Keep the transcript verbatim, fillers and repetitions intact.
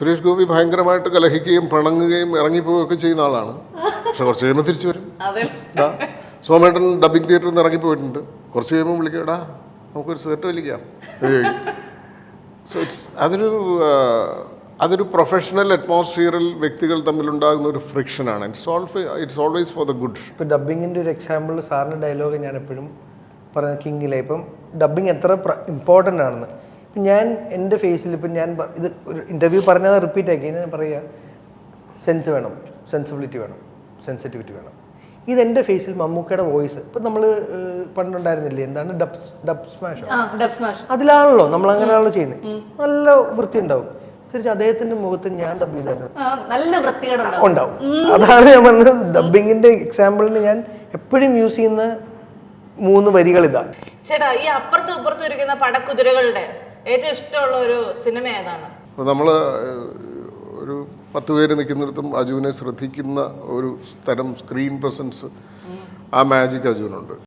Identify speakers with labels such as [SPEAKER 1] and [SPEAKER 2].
[SPEAKER 1] സുരേഷ് ഗോപി ഭയങ്കരമായിട്ട് കലഹിക്കുകയും പിണങ്ങുകയും ഇറങ്ങിപ്പോവുകയൊക്കെ ചെയ്യുന്ന ആളാണ്. പക്ഷെ കുറച്ച് കഴിയുമ്പോൾ തിരിച്ചു വരും. സോമേട്ടൻ ഡബിങ് തിയേറ്ററിൽ നിന്ന് ഇറങ്ങിപ്പോയിട്ടുണ്ട്. കുറച്ച് കഴിയുമ്പോൾ വിളിക്കടാ നമുക്കൊരു സെറ്റ് വലിക്കാം. സോ ഇറ്റ്സ് അതൊരു അതൊരു പ്രൊഫഷണൽ അറ്റ്മോസ്ഫിയറിൽ വ്യക്തികൾ തമ്മിലുണ്ടാകുന്ന ഒരു ഫ്രിക്ഷനാണ്. It's always it's always for the good.
[SPEAKER 2] ഇപ്പോൾ ഡബിങ്ങിൻ്റെ ഒരു എക്സാമ്പിൾ സാറിൻ്റെ ഡയലോഗ് ഞാൻ എപ്പോഴും പറയുന്നത് കിങ്ങിലെ ഇപ്പം ഡബിങ് എത്ര ഇമ്പോർട്ടൻ്റ് ആണെന്ന്. ഇപ്പം ഞാൻ എൻ്റെ ഫേസിൽ ഇപ്പം ഞാൻ ഇത് ഒരു ഇൻ്റർവ്യൂ പറഞ്ഞത് റിപ്പീറ്റ് ആക്കി ഞാൻ പറയുക, സെൻസ് വേണം, സെൻസിബിലിറ്റി വേണം, സെൻസിറ്റിവിറ്റി വേണം. ഇതെൻ്റെ ഫേസിൽ മമ്മൂക്കയുടെ വോയിസ് ഇപ്പം നമ്മൾ പണ്ടുണ്ടായിരുന്നില്ലേ, എന്താണ് ഡബ് ഡബ് സ്മാഷ്, അതിലാണല്ലോ നമ്മൾ അങ്ങനെയാണല്ലോ ചെയ്യുന്നത്. നല്ല വൃത്തി ഉണ്ടാവും. തിരിച്ച് അദ്ദേഹത്തിന്റെ മുഖത്ത് ഞാൻ ഡബ് ചെയ്തിട്ടുണ്ട് ഉണ്ടാവും. അതാണ് ഞാൻ പറഞ്ഞത്, ഡബിങ്ങിന്റെ എക്സാമ്പിളിന് ഞാൻ എപ്പോഴും യൂസ് ചെയ്യുന്ന മൂന്ന് വരികൾ ഇതാണ്.
[SPEAKER 3] ചേട്ടാ, ഈ അപ്പുറത്തും ഇപ്പുറത്തും ഇരിക്കുന്ന പടക്കുതിരകളുടെ ഏറ്റവും ഇഷ്ടമുള്ള ഒരു സിനിമ ഏതാണ്?
[SPEAKER 1] നമ്മൾ ഒരു പത്ത് പേര് നിൽക്കുന്നിടത്തും അജുവിനെ ശ്രദ്ധിക്കുന്ന ഒരു തരം സ്ക്രീൻ പ്രസൻസ്, ആ മാജിക് അജുവിനുണ്ട്.